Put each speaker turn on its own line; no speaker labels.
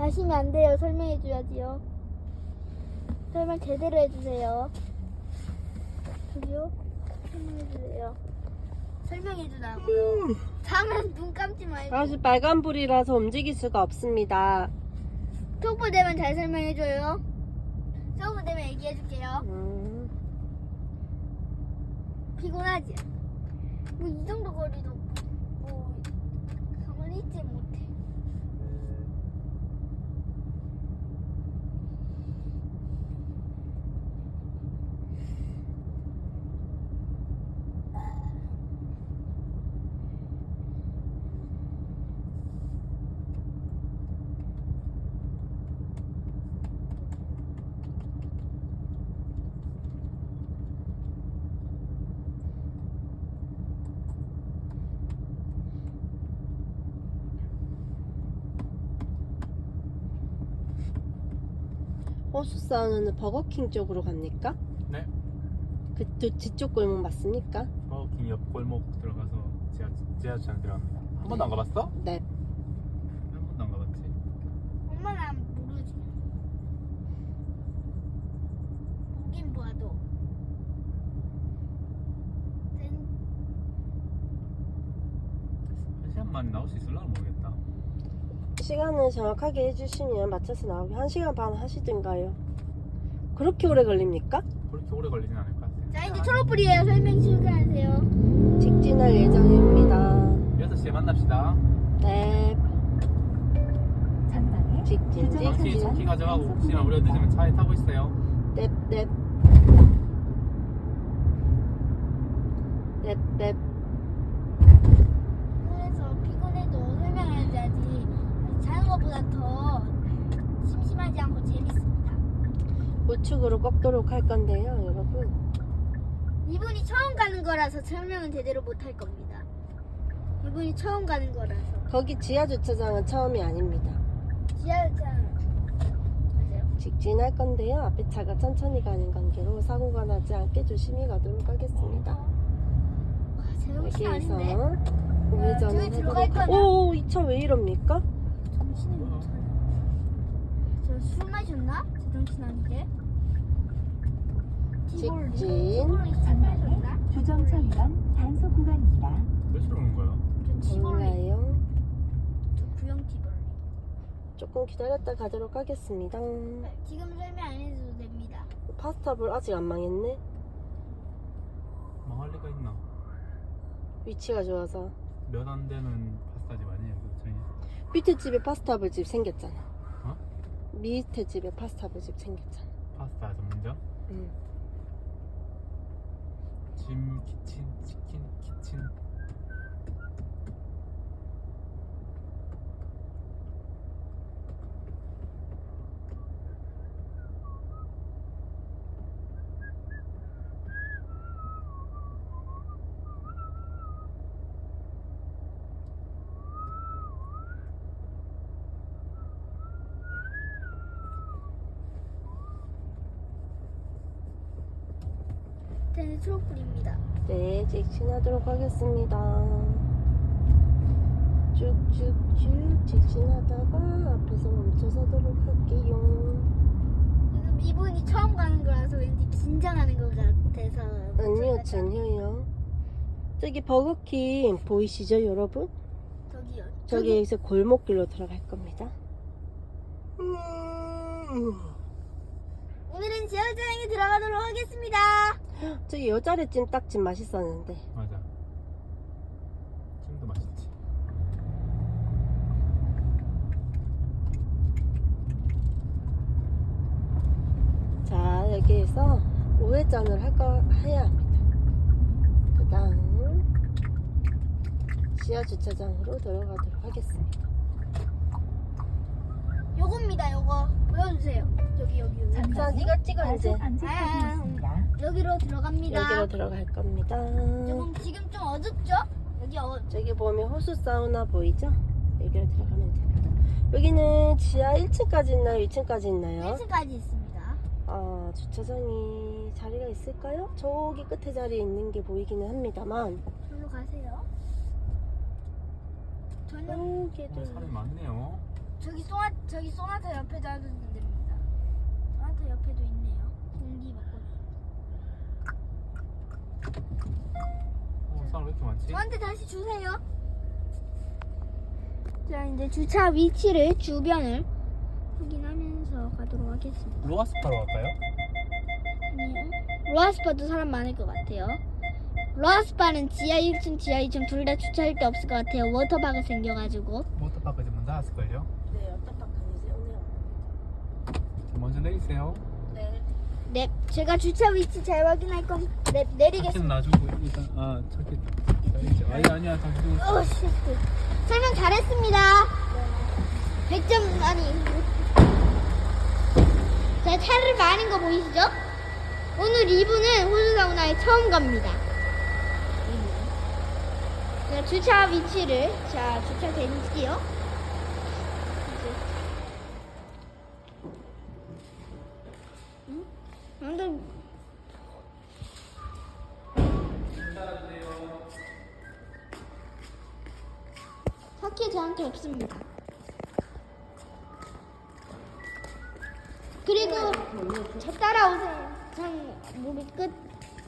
가시면 안 돼요. 설명해줘야지요. 설명 제대로 해주세요. 저기요? 설명해주세요. 설명해주라고요. 다음엔 눈 감지 말고.
아직 빨간불이라서 움직일 수가 없습니다.
초보 되면 잘 설명해줘요. 초보 되면 얘기해줄게요. 피곤하지? 뭐 이 정도 거리도 뭐 가만히 있지 못해.
호수사우나는 버거킹 쪽으로 갑니까?
네.
그 뒤쪽 골목 맞습니까?
버거킹 옆 골목 들어가서 지하철 들어갑니다. 한 번도 안 가봤어?
네.
한 번도 안 가봤지.
엄마는 모르지. 보긴 봐도.
한 시간 만에 나올 수 있을라 모르겠다.
시간을 정확하게 해주시면 맞춰서 나오게 1시간 반 하시든가요. 그렇게 오래 걸립니까?
그렇게 오래 걸리진 않을 것 같아.
자 이제 초록불이에요. 설명 시작하세요.
직진할 예정입니다.
6시에 만납시다.
네.
전방에
직진,
키 가져가고 혹시나 우리가 늦으면 차에 타고 있어요.
넵.
그래서 피곤해도 설명해줘야지. 자는 것보다 더 심심하지 않고 재밌습니다.
우측으로 꺾도록 할 건데요, 여러분.
이분이 처음 가는 거라서 설명은 제대로 못 할 겁니다. 이분이 처음 가는 거라서.
거기 지하 주차장은 처음이 아닙니다.
지하철 맞아요.
직진할 건데요. 앞에 차가 천천히 가는 관계로 사고가 나지 않게 조심히 가도록 하겠습니다.
와, 제 정신
여기에서
아닌데?
우회전을
저기 들어갈
해보도록.
거냐?
오, 이 차 왜 이럽니까?
정신이 못 차려. 저 술 마셨나? 제 정신 아닌데?
직진.
티볼리 술 마셨나?
주정차 위반 단속 구간입니다.
몇 시로 오는 거야?
저 티볼리.
몰라요.
저 구형 티볼리.
조금 기다렸다 가도록 하겠습니다.
지금 설명 안 해도 됩니다.
파스타볼 아직 안 망했네.
망할 리가 있나?
위치가 좋아서.
몇 안 되는 파스타집 아니에요? 그 저희
밑에 집에 파스타볼 집 생겼잖아.
어?
밑에 집에 파스타볼 집 생겼잖아.
파스타 전문점?
응.
짐 키친 치킨 키친.
저는 초록불입니다.
네, 직진하도록 하겠습니다. 쭉쭉쭉 직진하다가 앞에서 멈춰서도록 할게요.
지금 이분이 처음 가는 거라서 왠지 긴장하는 것 같아서.
아니요, 전혀요. 저기 버거킹 보이시죠, 여러분?
저기요.
저기에서 골목길로 들어갈 겁니다.
오늘은 지하철장에 들어가도록 하겠습니다.
저기 여자래 찜닭집 맛있었는데.
맞아. 찜도 맛있지.
자, 여기에서 우회전을 해야 합니다. 그 다음 지하 주차장으로 들어가도록 하겠습니다.
요겁니다. 요거 보여주세요. 여기.
자,
전방에
네가 찍어 이제.
과속 안전턱이 있습니다.
여기로 들어갑니다.
여기로 들어갈 겁니다.
지금 좀 어둡죠? 여기
저기 보면 호수 사우나 보이죠? 여기로 들어가면 됩니다. 여기는 지하 1층까지 있나요? 2층까지 있나요?
1층까지 있습니다.
아, 주차장이 자리가 있을까요? 저기 끝에 자리에 있는 게 보이기는 합니다만.
저로 가세요. 저는
여기도
사람이 많네요.
저기 소나타 옆에도 하도 됩니다. 소나타 옆에도 있네요. 공기 먹고.
사람 왜 이렇게 많지?
저한테 다시 주세요. 자, 이제 주차 위치를 주변을 확인하면서 가도록 하겠습니다.
로아스파로 갈까요?
아니요. 로아스파도 사람 많을 것 같아요. 로아스파는 지하 1층, 지하 2층 둘 다 주차할 데 없을 것 같아요. 워터파크 생겨가지고.
워터파크 이제 문 닫았을걸요?
네, 워터파크 이제 오네요.
먼저 내리세요.
네.
네, 제가 주차 위치 잘 확인할 건
차키는
내리겠습니다.
놔주고 일단 차키 내리죠. 아니야 잠시 좀.
오, 씨. 설명 잘했습니다. 100점 아니. 자, 차를 많은 거 보이시죠? 오늘 이분은 호수사우나에 처음 갑니다. 자, 주차 위치를 주차된지요. 근데 차키 저한테 없습니다. 그리고 저 따라오세요. 장 무릎 끝